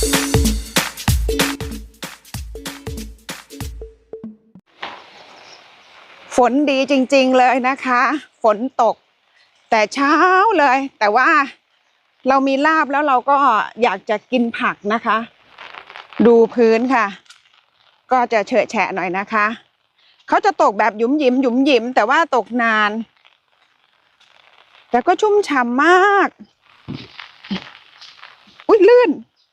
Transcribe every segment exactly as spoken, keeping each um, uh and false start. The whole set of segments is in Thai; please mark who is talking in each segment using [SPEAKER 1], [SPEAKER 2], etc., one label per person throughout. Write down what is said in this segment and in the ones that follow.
[SPEAKER 1] ฝนดีจริงๆเลยนะคะฝนตกแต่เช้าเลยแต่ว่าเรามีลาบแล้วเราก็อยากจะกินผักนะคะดูพื้นค่ะก็จะเฉอะแฉะหน่อยนะคะเขาจะตกแบบหยุมหยิมหยุมหยิมแต่ว่าตกนานแต่ก็ชุ่มฉ่ำมากอุ๊ยลื่น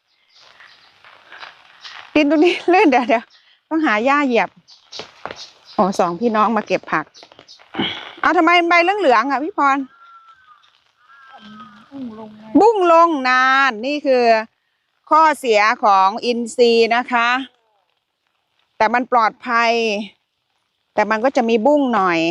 [SPEAKER 1] ดินตรงนี้ลื่นเดี๋ยวเดี๋ยวต้องหาหญ้าเหยียบโอ้สองพี่น้องมาเก็บผักเอาทำไมใบเหลืองๆอ่ะพี่พรบุ้งลงนานนี่คือข้อเสียของอินทรีย์นะคะแต่มันปลอดภัยแต่มันก็จะมีบุ้งหน่อย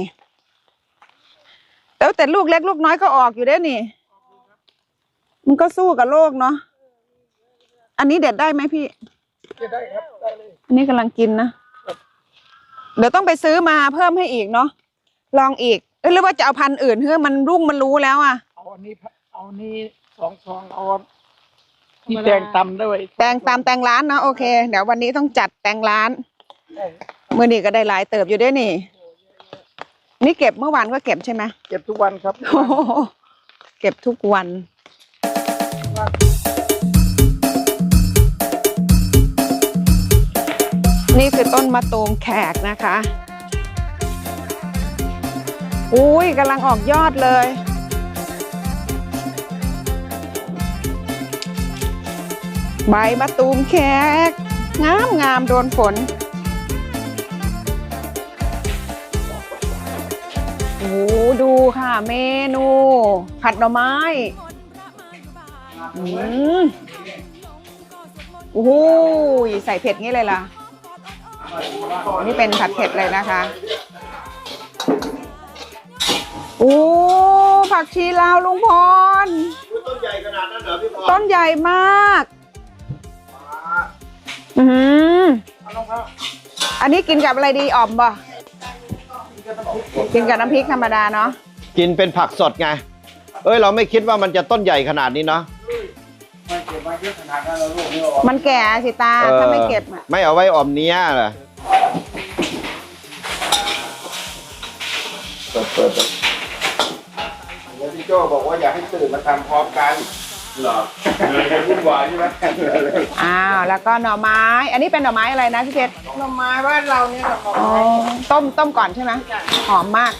[SPEAKER 1] แล้วแต่ลูกเล็กลูกน้อยก็ออกอยู่ได้นี่มันก็สู้กับโลกเนาะอันนี้เด็ดได้ไหมพี่ได้ครับได้เลยอันนี้กำลังกินนะเดี๋ยวต้องไปซื้อมาเพิ่มให้อีกเนาะลองอีกเอ้ยหรือว่าจะเอาพันธุ์อื่นเพื่อมันรุ่งมันรู้แล้วอ่ะเอาอันนี้เอานี้สองซองเอาที่แตงตำด้วยแตงตำแตงร้านนะโอเคเดี๋ยววันนี้ต้องจัดแตงร้านเมื่อนี้ก็ได้หลายเติบอยู่ด้วยนี่นี่เก็บเมื่อวานก็เก็บใช่ไหมเก็บทุกวันครับเก็บทุกวันนี่คือต้นมะตูมแขกนะคะอุ้ยกำลังออกยอดเลยใบมะตูมแขกงามงามโดนฝนโอ้ดูค่ะเมนูผัดหน่อไม้อืมโอ้โหใส่เผ็ดงี้เลยล่ะนี่เป็นผัดเผ็ดเลยนะคะโอ้ผักชีลาวลุงพรต้นใหญ่ขนาดนั้นเหรอพี่พรต้นใหญ่มากอืมอันนี้กินกับอะไรดีอ่อมบ่กินกับน้ำพริกธรรมดาเนาะ
[SPEAKER 2] กินเป็นผักสดไงเอ้ยเราไม่คิดว่ามันจะต้นใหญ่ขนาดนี้เนาะ
[SPEAKER 1] มันแก่สิตาถ้าไม่เก็บ
[SPEAKER 2] ไม่เอาไว้อ่อมเนี้ยเหรอเปิดเปิดแล้วพี่โจ้บอกว่าอยากให้ตื่นมาทำพร้อมกันเหรอเลยจะวุ่นวายใช่ไหม
[SPEAKER 1] อ้าวแล้วก็หน่อไม้อันนี้เป็นหน่อไม้อะไรนะพี่เพชรหน่อไม้บ้านเราเนี่ยหน่อไม้ต้มต้มก่อนใช่ไหมหอมมาก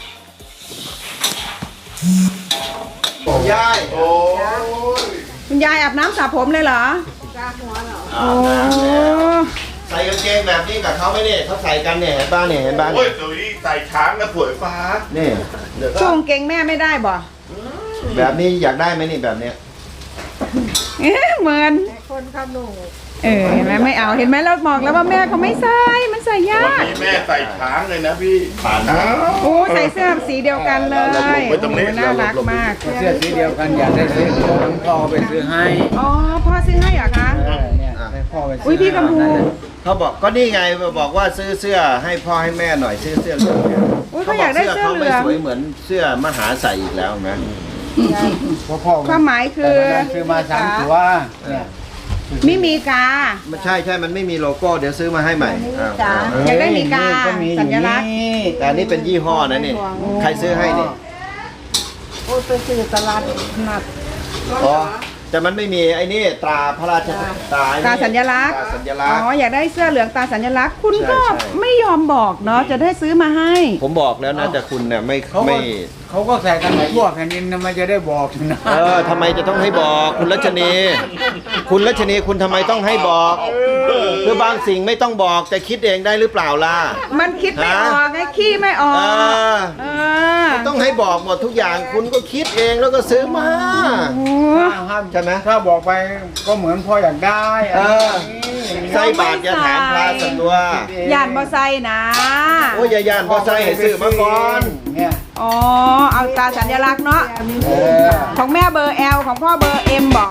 [SPEAKER 2] ยายโอ้
[SPEAKER 1] คุณยายอาบน้ำสระผมเลยเหรอสระหัวเหรอโอ้
[SPEAKER 2] ใส่กางเกงแบบนี้กับเขาไหมเนี่ยเขาใส่กันเนี่ยเห็นบ้านเนี่ยเห็นบ้าน
[SPEAKER 3] โอ้ยตัวนี้ใส่ช้างกับผวยฟ้า
[SPEAKER 2] เนี่ย
[SPEAKER 1] ช่วงเกงแม่ไม่ได้บ่
[SPEAKER 2] แบบนี้อยากได้ไหมนี่แบบเนี้ย
[SPEAKER 1] เหมือนคนขนุนเออเห็นไหมไม่เอาเห็นไหมเราบอกแล้วว่าแม่เขาไม่ใส่มันใส่ยาก
[SPEAKER 3] วันนี้แม่ใส่ช้างเลยนะพี่ผ่านนะ
[SPEAKER 1] โอ้ใส่เสื้อสีเดียวกันเลยน่ารักมาก
[SPEAKER 4] เสื้อสีเดียวกันอยากได้ซื้อพ่อไปซื้อให้
[SPEAKER 1] อ๋อพ่อซื้อให้เหรอคะ
[SPEAKER 4] เนี่ยให้พ่อไปซื้อ
[SPEAKER 1] อุ้ยพี่กำพู
[SPEAKER 2] เขาบอกก็นี่ไงบอกว่าซื้อเสื้อให้พ่อให้แม่หน่อยซื้อเสื้อเหลือง
[SPEAKER 1] อุ้ยเขาอยากได้เสื้อเหลือง
[SPEAKER 2] เขาไม่สวยเหมือนเสื้อมหาใส่อีกแล้วนะ
[SPEAKER 1] ความหมายคือ
[SPEAKER 4] ซื้อมาสามตัว
[SPEAKER 1] ไม่มีกา
[SPEAKER 2] ไม่ใช่ใช่มันไม่มีโลโก้เดี๋ยวซื้อมาให้ใหม่
[SPEAKER 1] อยากได้มีกาสัญลักษณ์
[SPEAKER 2] แต่อันนี้เป็นยี่ห้อนะนี่ใครซื้อให้นี่
[SPEAKER 1] โอ้ไปซื้อตลาดนัด
[SPEAKER 2] อ๋อแต่มันไม่มีไอ้นี่ตราพระราชตรา
[SPEAKER 1] ตราสัญลักษณ์
[SPEAKER 2] ตราสัญลักษณ์
[SPEAKER 1] อ๋ออยากได้เสื้อเหลืองตราสัญลักษณ์คุณก็ไม่ยอมบอกเนาะจะได้ซื้อมาให้
[SPEAKER 2] ผมบอกแล้วนะแต่คุณเนี่ยไม่ไม่
[SPEAKER 4] เขาก็ใส่กันทั่วแผ่นดินทำไมจะได้บอกนะ
[SPEAKER 2] เออทำไมจะต้องให้บอกคุณรัชนีคุณรัชนีคุณทำไมต้องให้บอกคือบางสิ่งไม่ต้องบอกแต่คิดเองได้หรือเปล่าล่ะ
[SPEAKER 1] มันคิดไม่ออกไงขี้ไม่ออกเอ
[SPEAKER 2] อต้องให้บอกหมดทุกอย่างคุณก็คิดเองแล้วก็ซื้อมาใช่ไหม
[SPEAKER 4] ถ้าบอกไปก็เหมือนพ่ออยากได้
[SPEAKER 2] ใส่บาทอย่าถามพระสันตัว
[SPEAKER 1] ย่านบ่ใส่นะ
[SPEAKER 2] โอ้ยอย่าย่านบ่ใส่ให้ซื้อมาก่อน
[SPEAKER 4] เนี่ย
[SPEAKER 1] อ๋อเอาตราสัญลักษณ์เนาะของแม่เบอร์ แอล ของพ่อเบอร์ เอ็ม บอก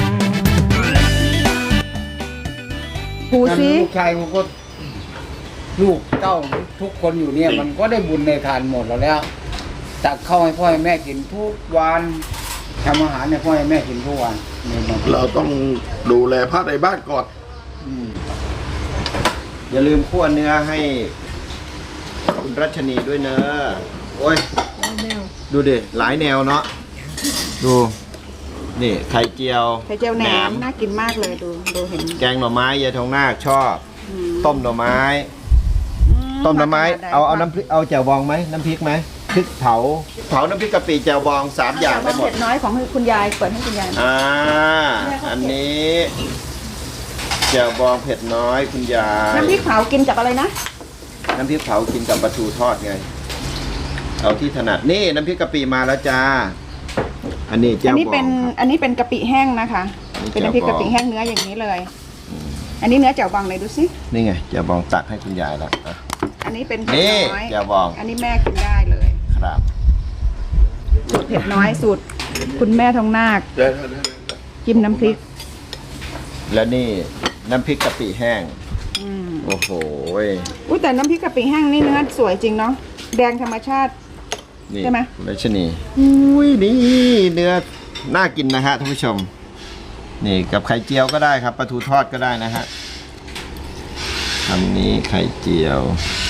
[SPEAKER 1] หูสิ
[SPEAKER 4] ลูกชายกูก็ลูกเต้าทุกคนอยู่เนี่ยมันก็ได้บุญในทานหมดแล้วแล้วตักข้าวให้พ่อให้แม่กินทุกวันทำอาหารให้พ่อให้แม่กินทุกวันเนี่ยมัน
[SPEAKER 3] เราต้องดูแลพระในบ้านก่อน
[SPEAKER 4] อืม
[SPEAKER 2] อย่าลืมคั่วเนื้อให้คุณรัชนีด้วยเนอะโอ้ยดูดิหลายแนวเนาะดูนี่ไข่เจียว
[SPEAKER 1] ไข่เจียวแหนมน่ากินมากเลยดูดูเห็น
[SPEAKER 2] แกงหน่อไม้ยายทองนาคชอบ
[SPEAKER 1] อืม
[SPEAKER 2] ต้มหน่อไม้
[SPEAKER 1] อื
[SPEAKER 2] ต้มหน่อไม้
[SPEAKER 1] ขนด
[SPEAKER 2] เอาเอาน้ำพริกเอาแจ่วบองไหมน้ำพริกไหมพริกเผาเผาน้ำพริกกะปิแจ่วบองสามอย่างได้หมด
[SPEAKER 1] เผ็ดน้อยของคุณยายเปิดให้คุณยายหน่อย
[SPEAKER 2] อ่าอันนี้แจ่วบองเผ็ดน้อยคุณยาย
[SPEAKER 1] น้ำพริกเผากินกับอะไรนะ
[SPEAKER 2] น้ำพริกเผากินกับปลาทูทอดไงเอาที่ถนัดนี่น้ำพริกกะปิมาแล้วจ้าอันนี้
[SPEAKER 1] อั
[SPEAKER 2] แจ่
[SPEAKER 1] น
[SPEAKER 2] ว
[SPEAKER 1] นี้
[SPEAKER 2] บอ
[SPEAKER 1] เป็น
[SPEAKER 2] งครับ
[SPEAKER 1] อันนี้เป็นกะปิแห้งนะคะ
[SPEAKER 2] นี่
[SPEAKER 1] เป็นน้ำพริก
[SPEAKER 2] แจ่วบอง
[SPEAKER 1] กะปิแห้งเนื้ออย่างนี้เลย อันนี้เนื้อแจ่วบองเลยดูสิ
[SPEAKER 2] นี่ไงแจ่วบองตักให้คุณยายแล้วอ่ะ
[SPEAKER 1] อันนี้เป็นเผ็ด
[SPEAKER 2] นี่
[SPEAKER 1] น้อย
[SPEAKER 2] แจ่วบอง
[SPEAKER 1] อันนี้แม่กินได้เลย
[SPEAKER 2] ครับ
[SPEAKER 1] สูตรเผ็ดน้อยสูตรคุณแม่ทองนาค
[SPEAKER 3] ได้ได้ได้
[SPEAKER 1] จิ้มน้ำพริก
[SPEAKER 2] แล้วนี่น้ำพริกกะปิแห้ง
[SPEAKER 1] อืม
[SPEAKER 2] โอ้โห
[SPEAKER 1] อุ้ยแต่น้ำพริกกะปิแห้งนี่เนื้อสวยจริงเนาะแดงธรรมชาติ
[SPEAKER 2] นี่
[SPEAKER 1] ใช่ไหม
[SPEAKER 2] รัชนีอุ้ยนี่เนื้อน่ากินนะฮะท่านผู้ชม นี่กับไข่เจียวก็ได้ครับปลาทูทอดก็ได้นะฮะคำนี้ไข่เจียว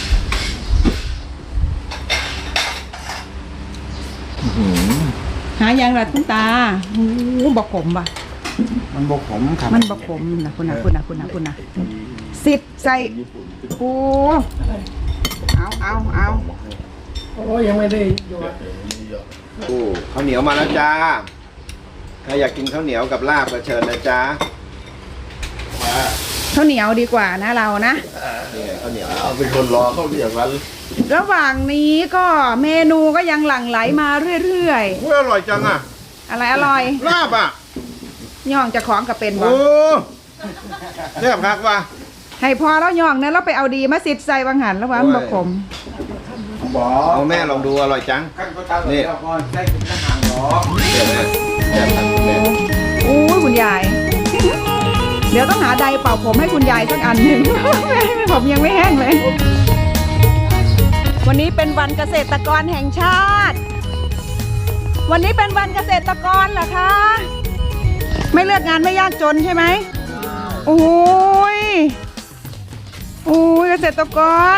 [SPEAKER 2] อื้อหือ
[SPEAKER 1] หายังละคุณตาโอ้โหบอกผมป่ะ
[SPEAKER 4] มันบกผมครับ
[SPEAKER 1] มันบอกผมนะคุณนะคุณนะคุณนะคุณนะสิทธิ์ใส่โอ้เอาเอาเอา
[SPEAKER 2] โอ้ข้าวเหนียวมาแล้วจ้าใครอยากกินข้าวเหนียวกับลาบก็เชิญนะจ้า
[SPEAKER 1] ข้าวเหนียวดีกว่านะเรานะ
[SPEAKER 2] นี่ไงข้าวเหนียว
[SPEAKER 3] เอาเป็นคนรอเขาเรียกวัน
[SPEAKER 1] ระหว่างนี้ก็เมนูก็ยังหลั่งไหลมาเรื่อย
[SPEAKER 2] โอ้ยอร่อยจังอ่ะ
[SPEAKER 1] ๆ อะไรอร่อย
[SPEAKER 2] ลาบอ่ะ
[SPEAKER 1] ย่องจะของกับเป็นบ่
[SPEAKER 2] โอ้เรียบครับว่า
[SPEAKER 1] ให้พอแล้วย่องนะแล้วไปเอาดีมาสิทธิ์ใส่บางหันแล้วว่ามันบอกผม
[SPEAKER 4] บอก
[SPEAKER 2] เอาแม่ลองดูอร่อยจัง
[SPEAKER 4] ขั้นก็ตามนี่ก่อนได้กินอาหารหรอ
[SPEAKER 2] เดี๋ยวนะเดี๋ยวทำคุณแม่
[SPEAKER 1] โอ้ยคุณยาย เดี๋ยวต้องหาใดเป่าผมให้คุณยายสักอันหนึ่ง ผมยังไม่แห้งเลย วันนี้เป็นวันเกษตรกรแห่งชาติ วันนี้เป็นวันเกษตรกรเหรอคะ ไม่เลือกงานไม่ยากจนใช่ไหมโอ้ยโอ้ยเกษตรกร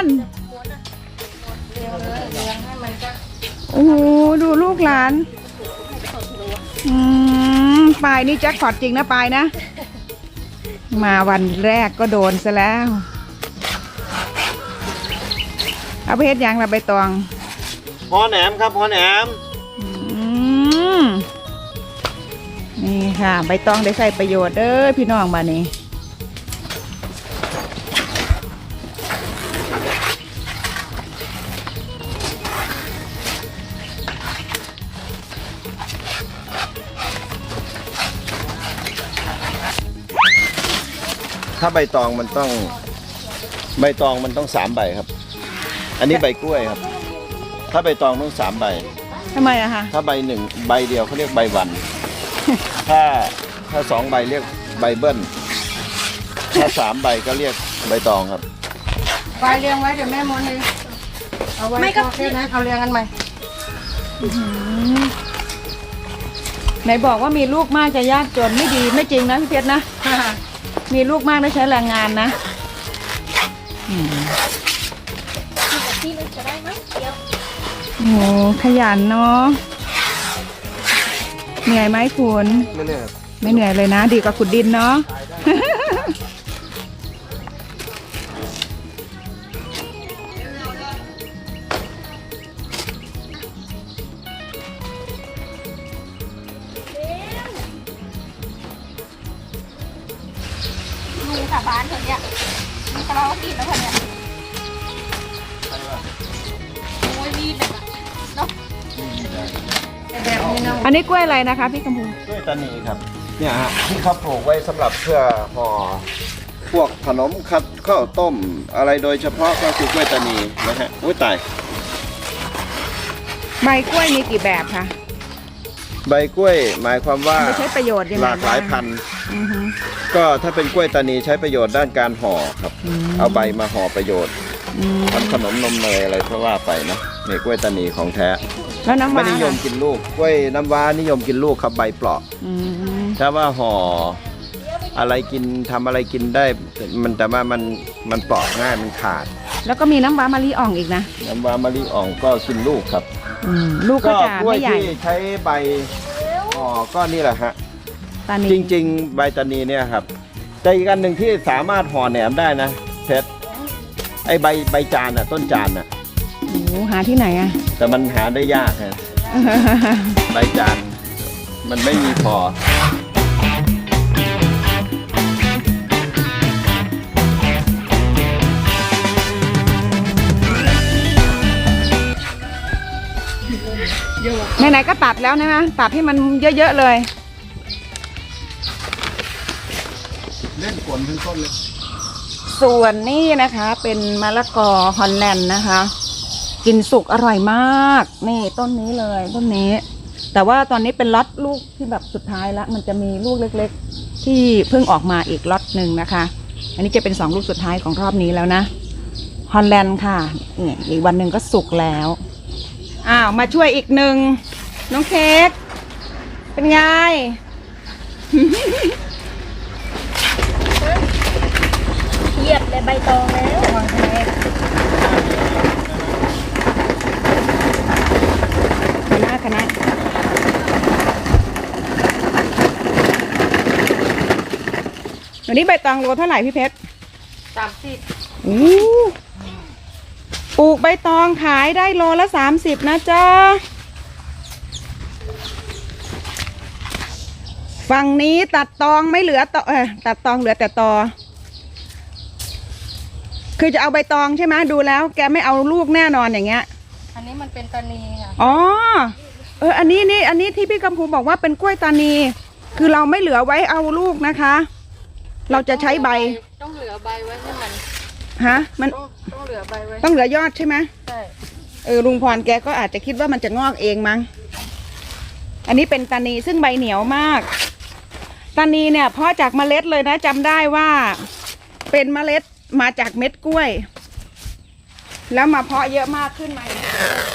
[SPEAKER 1] โอ้โหดูลูกหลานอืมปายนี่แจ็คพอตจริงนะปายนะ มาวันแรกก็โดนซะแล้ว เอาไปเฮ็ดหยังละใบตอง
[SPEAKER 2] พอแหนมครับพอแหนม
[SPEAKER 1] อืมนี่ค่ะ ใบตองได้ใส่ประโยชน์เด้อพี่น้องมานี่
[SPEAKER 2] ถ้าใบตองมันต้อง ใบตองมันต้องสามใบครับ อันนี้ใบกล้วยครับ ถ้าใบตองต้องสามใบ
[SPEAKER 1] ทำไมอะคะ
[SPEAKER 2] ถ้าใบหนึ่งใบเดียวเขาเรียกใบวัน ถ้าถ้าสองใบเรียกใบเบิ้ล ถ้าสามใบก็เรียกใบตองครับ
[SPEAKER 5] ไปเรียงไว้เดี๋ยวแม่มนเลยเอาไว้ก็แค่นั้นเอาเรียงกันใหม่
[SPEAKER 1] ไหนบอกว่ามีลูกมากจะยากจนไม่ดีไม่จริงนะพี่เพชรนะ มีลูกมากได้ใช้แรงงานนะอืมโอ้โหขยันเนาะเหนื่อยไหมคุณ
[SPEAKER 2] ไม่เนี่ย
[SPEAKER 1] ไม่เหนื่อยเลยนะ ดีกว่าขุดดินเนาะ
[SPEAKER 5] ลุงสาบานเถอะเนี่ยมีกระเรากินแล้วเถอะเนี่ยโอ้ยมีแบบเนาะแบบนี้นะ
[SPEAKER 1] อันนี้กล้วยอะไรนะคะพี่กำพู
[SPEAKER 2] กล้วยตานีครับ เนี่ยฮะที่เขาปลูกไว้สำหรับเพื่อห่อพวกขนมคัดข้าวต้ม อะไรโดยเฉพาะก็คือกล้วยตานีนะฮะอุ้ยตาย
[SPEAKER 1] ใบกล้วยมีกี่แบบคะ
[SPEAKER 2] ใบกล้วยหมายความว่า
[SPEAKER 1] มันใช้ประโยชน์ยังไง
[SPEAKER 2] หลากหลาย
[SPEAKER 1] บ้ง
[SPEAKER 2] พันธุ์
[SPEAKER 1] อือฮึ
[SPEAKER 2] ก็ถ้าเป็นกล้วยตานีใช้ประโยชน์ด้านการห่อครับ
[SPEAKER 1] อืม
[SPEAKER 2] เอาใบมาห่อประโยชน์
[SPEAKER 1] อืม
[SPEAKER 2] ทำขนมนมเนยอะไรเพราะว่าไปนะเนี่ยกล้วยตานีของแท้
[SPEAKER 1] แล้วน้ำ
[SPEAKER 2] ไม่
[SPEAKER 1] ว้า
[SPEAKER 2] นิยมกินลูกกล้วยน้ำว้านิยมกินลูกครับใบเปราะ
[SPEAKER 1] อืม
[SPEAKER 2] ถ้าว่าห่ออะไรกินทำอะไรกินได้มันแต่ว่ามันมันเปราะง่ายมันขาด
[SPEAKER 1] แล้วก็มีน้ำว้ามะลิอ่องอีกนะ
[SPEAKER 2] น้ำว้ามะลิอ่องก็กินลูกครับ
[SPEAKER 1] อืมลูกก็จะ
[SPEAKER 2] กล้วย
[SPEAKER 1] ไม่ใหญ่
[SPEAKER 2] ที่ใช้ใบห่อก็นี่แหละฮะ
[SPEAKER 1] ตานี
[SPEAKER 2] จริงๆ ใบตานีเนี่ยครับแต่อีกอันหนึ่งที่สามารถห่อแหนมได้นะเพชรไอใบใบจานอ่ะต้นจานอ่ะ
[SPEAKER 1] โอ้โหหาที่ไหนอะ
[SPEAKER 2] แต่มันหาได้ยากฮะใบจานมันไม่มีพอ
[SPEAKER 1] ไหนๆก็ตัดแล้วนะตัดให้มันเยอะๆเลย
[SPEAKER 3] เล่นฝนทั้งต้นเลย
[SPEAKER 1] ส่วนนี้นะคะเป็นมะละกอฮอลแลนด์นะคะ กินสุกอร่อยมาก นี่ต้นนี้เลยต้นนี้ แต่ว่าตอนนี้เป็นล็อตลูกที่แบบสุดท้ายแล้วมันจะมีลูกเล็กๆ ที่เพิ่งออกมาอีกล็อตหนึ่งนะคะ อันนี้จะเป็นสองลูกสุดท้ายของรอบนี้แล้วนะฮอลแลนด์ค่ะนี่อีกวันหนึ่งก็สุกแล้วอ้าวมาช่วยอีกหนึ่งน้องเค้กเป็นไง
[SPEAKER 5] เหยียบเลยใบตองแล้ว
[SPEAKER 1] คณะคณะเดี๋ยวนี้ใบตองโลเท่าไหร่พี่เพชร
[SPEAKER 5] สามสิบ
[SPEAKER 1] อู้ปลูกใบตองขายได้โลละสามสิบนะจ๊ะ ฝั่งนี้ตัดตองไม่เหลือตอเออตัดตองเหลือแต่ตอ คือจะเอาใบตองใช่ไหมดูแล้วแกไม่เอาลูกแน่นอนอย่างเงี้ย
[SPEAKER 5] อันนี้มันเป็นตานีค่ะ
[SPEAKER 1] อ๋อ เออ อันนี้นี่ อันนี้ที่พี่กำพูบอกว่าเป็นกล้วยตานี คือเราไม่เหลือไว้เอาลูกนะคะ เราจะใช้ใบ
[SPEAKER 5] ต้องเหลือใบไว้ให้มัน
[SPEAKER 1] ฮะ มัน
[SPEAKER 5] ต้องต้องเหลือใบไว้
[SPEAKER 1] ต้องเหลือยอดใช่ไหม
[SPEAKER 5] ใช่
[SPEAKER 1] เออ ลุงพรแกก็อาจจะคิดว่ามันจะงอกเองมั้ง อันนี้เป็นตานีซึ่งใบเหนียวมาก ตานีเนี่ยเพาะจากเมล็ดเลยนะจำได้ว่า เป็นเมล็ดมาจากเม็ดกล้วย แล้วมาเพาะเยอะมากขึ้นมาอย่างนี้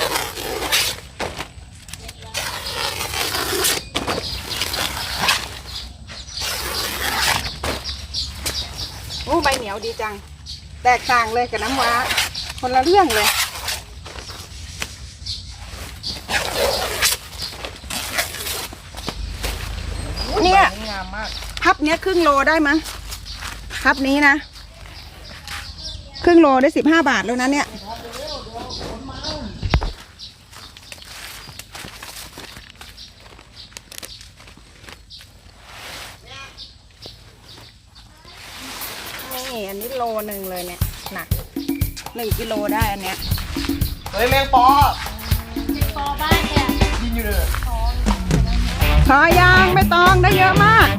[SPEAKER 1] โอ้ใบเหนียวดีจัง แตกต่างเลยกับน้ำว้า คนละเรื่องเลย เนี่ย
[SPEAKER 5] งามมาก
[SPEAKER 1] พับเนี้ยครึ่งโลได้มั้งพับนี้นะ ครึ่งโลได้สิบห้าบาทแล้วนะเนี่ย นี่อันนี้โลหนึ่งเลยเนี่ยหนักหนึ่งกิโลได้อันเนี้ย
[SPEAKER 2] เฮ้ยแมงปอ
[SPEAKER 5] เป็นปอบ้านเนี่ย
[SPEAKER 2] ยินอยู่เลย
[SPEAKER 1] ขอยางไม่ต้องได้เยอะมาก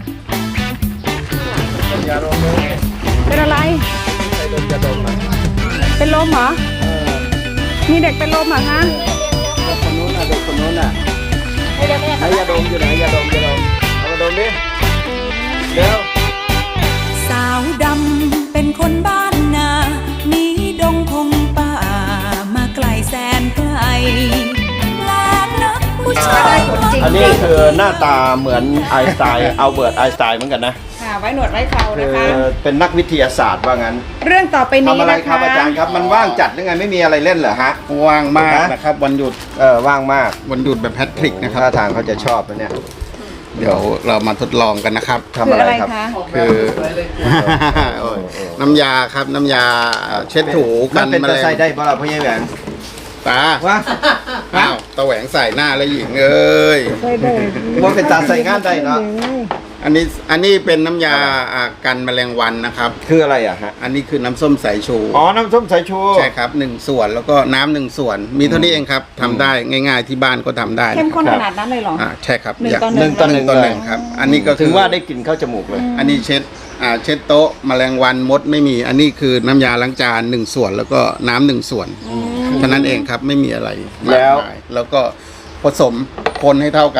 [SPEAKER 2] อย่าลงเลย
[SPEAKER 1] เป็นอะไร
[SPEAKER 2] ใส่ลมจะดมอ่ะ
[SPEAKER 1] เป็นลมเหรอ มีเด็กเป็นลมเหรอคะ
[SPEAKER 2] เด็กคนนู้นน่ะเด็กคนนู้นน่ะ
[SPEAKER 5] ให้เดี๋ยวแม่
[SPEAKER 2] ไหนยาดมอยู่ไหนยาดมยาดมเอามาดมดิเดี๋ยว
[SPEAKER 6] สาวดำเป็นคนบ้านนาหนีดงพงป่ามาไกลแสนไกลแปลกนักผู้ชาย
[SPEAKER 2] อันนี้คือหน้าตาเหมือนไอน์สไตน์อัลเบิร์ตไอน์สไตน์เหมือนกันนะ
[SPEAKER 1] ค่ะไว้หนวดไว้เขา
[SPEAKER 2] คื
[SPEAKER 1] นะ
[SPEAKER 2] อ
[SPEAKER 1] คะ
[SPEAKER 2] เป็นนักวิทยาศาสตร์ว่างั้น
[SPEAKER 1] เรื่องต่อไปนี้
[SPEAKER 2] ทำอะไร
[SPEAKER 1] นะ
[SPEAKER 2] ครับ
[SPEAKER 1] คะ
[SPEAKER 2] อาจารย์ครับ มันว่างจัดหรือไงไม่มีอะไรเล่นเหรอฮะ
[SPEAKER 3] ว่างมากนะครับ วันหยุด
[SPEAKER 2] เออว่างมาก
[SPEAKER 3] วันหยุดแบบแพทริกนะครับ
[SPEAKER 2] ท่าทางเขาจะชอบนะเนี่ย
[SPEAKER 3] เดี๋ยวเรามาทดลองกันนะครับ
[SPEAKER 2] ทำอะไรครับ
[SPEAKER 1] คืออะไรคะ
[SPEAKER 3] คือโอ้ยน้ำยาครับน้ำยาเช็ดถู
[SPEAKER 2] มั
[SPEAKER 3] กัน น
[SPEAKER 2] เป็น
[SPEAKER 3] แม
[SPEAKER 2] ตะ
[SPEAKER 3] ล
[SPEAKER 2] ไซ
[SPEAKER 3] ง
[SPEAKER 2] ได้เพราะเราพ่อใหญ่แหวน
[SPEAKER 3] ตา
[SPEAKER 2] ว่า
[SPEAKER 3] อ้าวตะแหวงใส่หน้าแล้วหญิงเอ้ย
[SPEAKER 1] ได้ได้
[SPEAKER 2] ว่าเป็นตาใส่งานได้เนาะ
[SPEAKER 3] อันนี้อันนี้เป็นน้ำยาอ่ากันแมลงวันนะครับ
[SPEAKER 2] คืออะไรอ่ะฮะ
[SPEAKER 3] อันนี้คือน้ำส้มสายชู
[SPEAKER 2] อ๋อ น้ำส้มสายชู
[SPEAKER 3] ใช่ครับหนึ่งส่วนแล้วก็น้ำหนึ่งส่วน มีเท่านี้เองครับทำได้ง่าย ๆที่บ้านก็ทำได้
[SPEAKER 1] เข้มข้น
[SPEAKER 3] นะ
[SPEAKER 1] ข
[SPEAKER 3] ครับ
[SPEAKER 1] นาดนั้นเลยเหรอ
[SPEAKER 3] อ่าใช่ครับ
[SPEAKER 1] หนึ่ง
[SPEAKER 3] ย่า
[SPEAKER 1] ต่อ
[SPEAKER 2] หนึ่งต่อหนึ่ง
[SPEAKER 3] ต่อห
[SPEAKER 2] เล
[SPEAKER 3] นึ่
[SPEAKER 2] ย
[SPEAKER 3] งครับ อันนี้ก็
[SPEAKER 2] ถึ
[SPEAKER 3] คื
[SPEAKER 2] ง
[SPEAKER 3] อ
[SPEAKER 2] ว่าได้กลิ่นเข้าจมูกเลย
[SPEAKER 3] อันนี้เช็ดอ่าเช็ดโต๊ะแมลงวันมดไม่มี อันนี้คือน้ำยาล้างจานหนึ่งส่วนแล้วก็น้ำหนึ่งส่วนเท่านั้นเองครับไม่มีอะไรมาก
[SPEAKER 2] แล้ว
[SPEAKER 3] มายแล้วก็ผสมคนให้เท่ากัน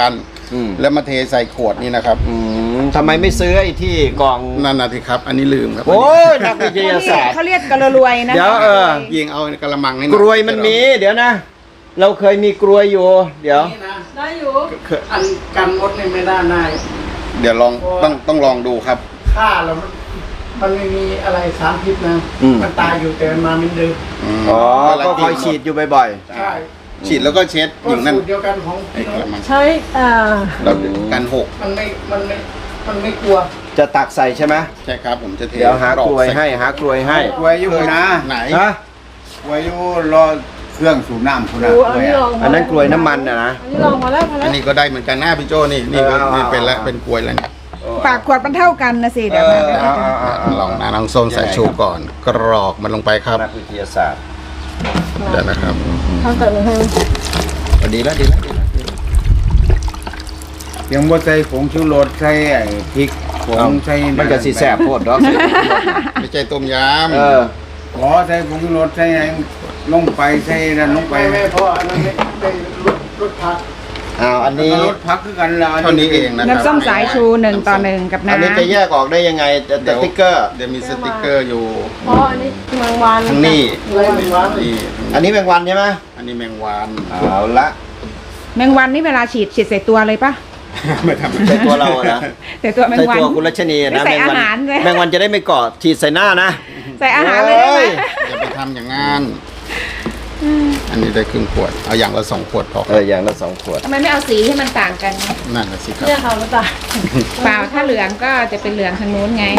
[SPEAKER 2] อืม
[SPEAKER 3] แล้วมาเทใส่ขวดนี่นะครับ
[SPEAKER 2] อืมทำไมไม่ซื้อไอ้ที่กล่อง
[SPEAKER 3] นั่นนะที่ครับ อันนี้ลืมครับ
[SPEAKER 2] โอ้ยนักวิทยาศาสตร์
[SPEAKER 1] เขาเรียกกระรวยนะ
[SPEAKER 2] เดี๋ยวเออ
[SPEAKER 3] ยิงเอากระมังนี่
[SPEAKER 2] กรวยมันมี เดี๋ยวนะ เราเคยมีกรวยอยู่ เดี๋ยว
[SPEAKER 5] ได้อยู่
[SPEAKER 4] อันกันมดนี่ไม่ได้นาย
[SPEAKER 3] เดี๋ยวลองต้องต้องลองดูครับ
[SPEAKER 4] ฆ่าแล้วมันมันไม่มีอะไรสารพิษนะ
[SPEAKER 2] อืม
[SPEAKER 4] มันตายอยู่แต่มันมาเหมันเดิม
[SPEAKER 3] ม
[SPEAKER 2] อ๋อ
[SPEAKER 3] แล้ว
[SPEAKER 2] ก็คอยฉีดอยู่บ่อย
[SPEAKER 4] ใช่
[SPEAKER 3] ฉีดแล้วก็เช็ด
[SPEAKER 4] ก็
[SPEAKER 3] อย่างนั้น
[SPEAKER 4] สูตรเดียวกันของ
[SPEAKER 3] ไอ้
[SPEAKER 4] พี่
[SPEAKER 3] ก
[SPEAKER 4] น้อ
[SPEAKER 3] ระ
[SPEAKER 4] ง
[SPEAKER 3] มัง
[SPEAKER 5] ใช้อ่า
[SPEAKER 3] เรากันหก
[SPEAKER 4] มันไม่มันไม่มันไม่กลัว
[SPEAKER 2] ๆ จะตักใส่ใช่ไหม
[SPEAKER 3] ใช่ครับผมจะเท
[SPEAKER 2] เดี๋ยวหากรวยให้ หากรวยให้
[SPEAKER 4] กลัวอยู่นะ
[SPEAKER 3] ไหน
[SPEAKER 2] ฮะ
[SPEAKER 4] กลัวอยู่รอเครื่องสูบน้ำคุณนะ
[SPEAKER 5] ดูอันนี้ลอง
[SPEAKER 2] อันนั้นกรวยน้ำมันนะนะ
[SPEAKER 5] อันนี้ลองพอแล้วพอ
[SPEAKER 3] อั
[SPEAKER 5] แล้
[SPEAKER 3] น
[SPEAKER 5] ว
[SPEAKER 3] นี้ก็ได้เหมือนกันหน้าพี่โจนี่นี่ก็
[SPEAKER 2] เออเอา
[SPEAKER 3] นี่เป็นแล้ว
[SPEAKER 2] เอา
[SPEAKER 3] เป็นกลวยแล้วนี่
[SPEAKER 1] ปากขวดมันเท่ากันนะสิ
[SPEAKER 2] เอ
[SPEAKER 1] เดี๋ยว
[SPEAKER 2] อ
[SPEAKER 1] มา
[SPEAKER 2] เอาเอาเอาเอา
[SPEAKER 3] ลองนะน้องส้มใส่ชูก่อน กรอกมันลงไปครับ
[SPEAKER 2] นักวิทยาศาสตร์
[SPEAKER 3] เดี๋ยวนะครับ
[SPEAKER 5] ทำแต่หนึ่งให้
[SPEAKER 2] พอดีแล้วดีแล้วดีแล้วดีแล้ว
[SPEAKER 4] ยังบ่ใส่ผงชูรสใส่ไอ้พริกผ
[SPEAKER 2] เอา
[SPEAKER 4] งใส่
[SPEAKER 2] มันก็สีแสบโพดเนาะ
[SPEAKER 3] ไม่ใช่ต้มย
[SPEAKER 2] เออ
[SPEAKER 4] ขอใส่ผงชูรสใส่ไอ้ลงไปใส่นั่นลงไปไม่พออันนั้นได้รสรสผัก
[SPEAKER 2] เอาอัน
[SPEAKER 4] นี่
[SPEAKER 2] นี้
[SPEAKER 4] รสผักคือกันละ
[SPEAKER 3] ำเท่านี้เองนะครับ
[SPEAKER 1] น้ำส้มสายชูหนึ่งต่อหนึ่งกับ
[SPEAKER 2] อันนี้
[SPEAKER 1] น้ำ
[SPEAKER 2] จะแยกออกได้ยังไงแต่แต่ติ๊กเกอร์
[SPEAKER 3] เดี๋ยวมีสติกเกอร์อยู่
[SPEAKER 5] เพราะอันนี้แมงวัน
[SPEAKER 3] ทั้งนี้
[SPEAKER 4] อะไรไม่ว่า
[SPEAKER 3] นี่
[SPEAKER 2] อันนี้แมงวันใช่ไหม
[SPEAKER 3] อันนี้แมงวัน
[SPEAKER 2] เอาละ
[SPEAKER 1] แมงวันนี่เวลาฉีดฉีดใส่ตัวเลยปะ
[SPEAKER 3] ไม่ทำ
[SPEAKER 2] ใส่ตัวเราอะนะ
[SPEAKER 1] ใส่ตัวแมง
[SPEAKER 2] ใส่
[SPEAKER 1] วัน
[SPEAKER 2] ตัวคุณรัชนี
[SPEAKER 1] ไม่
[SPEAKER 2] นะ
[SPEAKER 1] ใส่
[SPEAKER 2] แมงวั
[SPEAKER 1] อาหารเลย
[SPEAKER 2] แมงวันจะได้ไม่เกาะฉีดใส่หน้านะ
[SPEAKER 1] ใส่อาหารเลยได้ไหม
[SPEAKER 2] โอ้ย
[SPEAKER 3] อย่าไปทำอย่างนั้น อันนี้ได้ครึ่งขวด เอาอย่างละสองขวดพอค
[SPEAKER 2] เอ
[SPEAKER 3] รับ
[SPEAKER 2] ออย่างละสองขวด
[SPEAKER 1] ทำไมไม่เอาสีให้มันต่างกัน
[SPEAKER 3] นั่นนะสิครับ
[SPEAKER 5] เรื่องเขาหรือเปล่า
[SPEAKER 1] เปล่าถ้าเหลืองก็จะเป็นเหลืองทางนู้นไง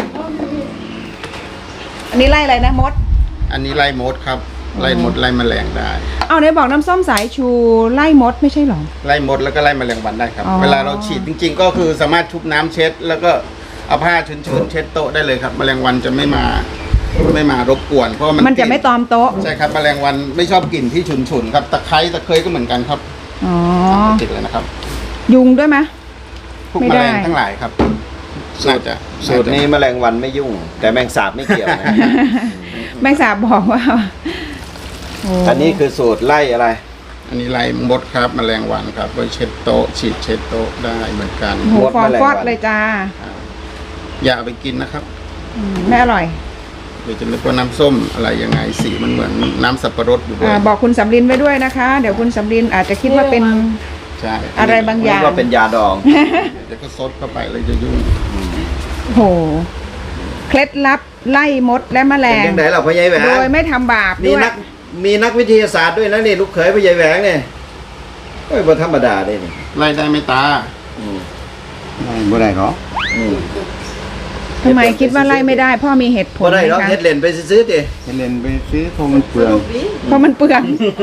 [SPEAKER 1] อันนี้ไล่อะไรนะมด
[SPEAKER 3] อันนี้ไล่มดครับ ไล่มดไล่แมลงได้
[SPEAKER 1] เอาไหนบอกน้ำส้มสายชูไล่มดไม่ใช่หรอ
[SPEAKER 3] ไล่มดแล้วก็ไล่แมลงวันได้ครับ
[SPEAKER 1] อ๋อ
[SPEAKER 3] เวลาเราฉีดจริง ๆ ก็คือสามารถชุบน้ำเช็ด แล้วก็เอาผ้าชื้นๆเช็ดโต๊ะได้เลยครับ แมลงวันจะไม่มาไม่มารบกวน เพราะว่ามัน
[SPEAKER 1] มันจะไม่
[SPEAKER 3] กลิ่
[SPEAKER 1] ตอมโต๊ะ
[SPEAKER 3] ใช่ครับ แมลงวันไม่ชอบกลิ่นที่ฉุนๆครับ ตะไคร้ตะเคยก็เหมือนกันครับ
[SPEAKER 1] อ๋อ
[SPEAKER 3] ติดเลยนะครับ
[SPEAKER 1] ยุงด้วยไหม
[SPEAKER 3] พวก
[SPEAKER 1] ไม่
[SPEAKER 3] แม
[SPEAKER 1] ได้
[SPEAKER 3] ลงทั้งหลายครับ น่าจะ
[SPEAKER 2] สูตรนี้แมลงวันไม่ยุ่ง แต่แมงสาบไม่เกี่ยวนะ
[SPEAKER 1] แมงสาบบอกว่าโ
[SPEAKER 2] อันนี้คือสูตรไล่อะไร
[SPEAKER 3] อันนี้ไล่มดครับ แมลงวันครับไว้เช็ดโต๊ะ ฉีดเช็ดโต๊ะได้เหมือนกัน
[SPEAKER 1] โอ้โห
[SPEAKER 2] มด
[SPEAKER 1] ฟอง
[SPEAKER 2] แมลง
[SPEAKER 1] ฟ
[SPEAKER 2] วั
[SPEAKER 1] อน ดเลยจ้า
[SPEAKER 3] อย่าเอาไปกินนะครับ
[SPEAKER 1] อืมไม่อร่อย
[SPEAKER 3] เดี๋ยวจะนึกว่าน้ำส้มอะไรยังไงสีมันเหมือนน้ำสับปะรดอยู่ด้ว
[SPEAKER 1] อ่าย บอกคุณสำลินไว้ด้วยนะคะ เดี๋ยวคุณสำลินอาจจะคิดว่าเป็น
[SPEAKER 3] ใช่
[SPEAKER 1] อะไรบางอย่าง
[SPEAKER 2] ว่าเป็นยาดอง
[SPEAKER 3] เดี๋ยวก็ซดเข้าไปเลยจะยุ่ง
[SPEAKER 1] โอ้โห เคล็ดลับไล่มดและแมล
[SPEAKER 2] เป็น
[SPEAKER 1] ง
[SPEAKER 2] ยังไงเราพ่อใหญ่แหวง
[SPEAKER 1] โดยไม่ทำบาป
[SPEAKER 2] มี
[SPEAKER 1] ด้วย
[SPEAKER 2] นักมีนักวิทยาศาสตร์ด้วยนะนี่ลูกเขยพ่อใหญ่แหวงเนี่ยเฮ้ยบ่ธรรมดาเลยนี่
[SPEAKER 3] ไล่ได้ไหมตา
[SPEAKER 2] อืม
[SPEAKER 4] บ่ได้หรอ
[SPEAKER 2] อืม
[SPEAKER 1] ทำไมคิดว่าไล่ไม่ได้ พ่อมีเหตุผล
[SPEAKER 2] บ่ได้
[SPEAKER 1] ไหม
[SPEAKER 2] หรอก
[SPEAKER 1] คะ
[SPEAKER 2] เฮ็ดเล่นไปซื้อๆดิ
[SPEAKER 4] ให้เล่นไปซื้อเพราะมันเปลือง
[SPEAKER 1] เพราะมันเปลือง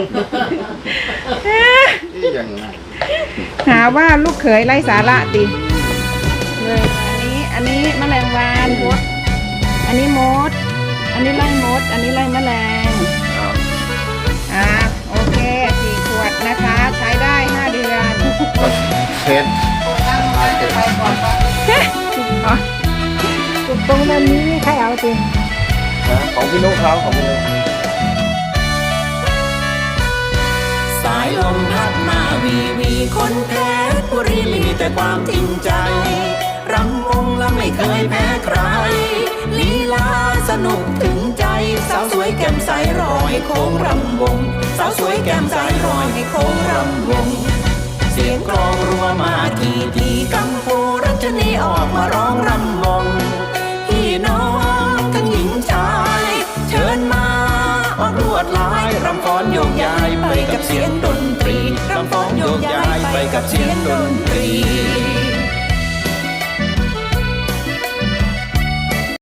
[SPEAKER 3] ที่อย่างนั้น
[SPEAKER 1] หาว่าลูกเขยไล่สาระติเลยอันนี้ อันนี้แมลงวันมด อันนี้มด อันนี้ไล่มด อันนี้ไล่แมลง อ่า โอเคสี่ขวดนะคะ ใช้ได้ห้าเดือน
[SPEAKER 3] เช็ด
[SPEAKER 1] อ๋อ
[SPEAKER 5] ตรงนั้นนี้ใครเอาจริง
[SPEAKER 2] นะของพี่นุ๊กเขาของพี่นุ๊ก
[SPEAKER 6] สายลมพัดมาวีวีคนเพชรบุรีมีแต่ความจริงใจรำวงและไม่เคยแพ้ใครลีลาสนุกถึงใจสาวสวยแก้มใสรอให้โค้งรำวงสาวสวยแก้มใสรอให้โค้งรำวงเสียงกลองรัวมาทีทีกัมพูรัชนีออกมาร้องรำวงพี่น้องทั้งหญิงชายเชิญมาออกลวดลายรำฟ้อนโยกย้ายไปกับเสียงดนตรีรำฟ้อนโยกย้ายไปกับเสียงดนตรี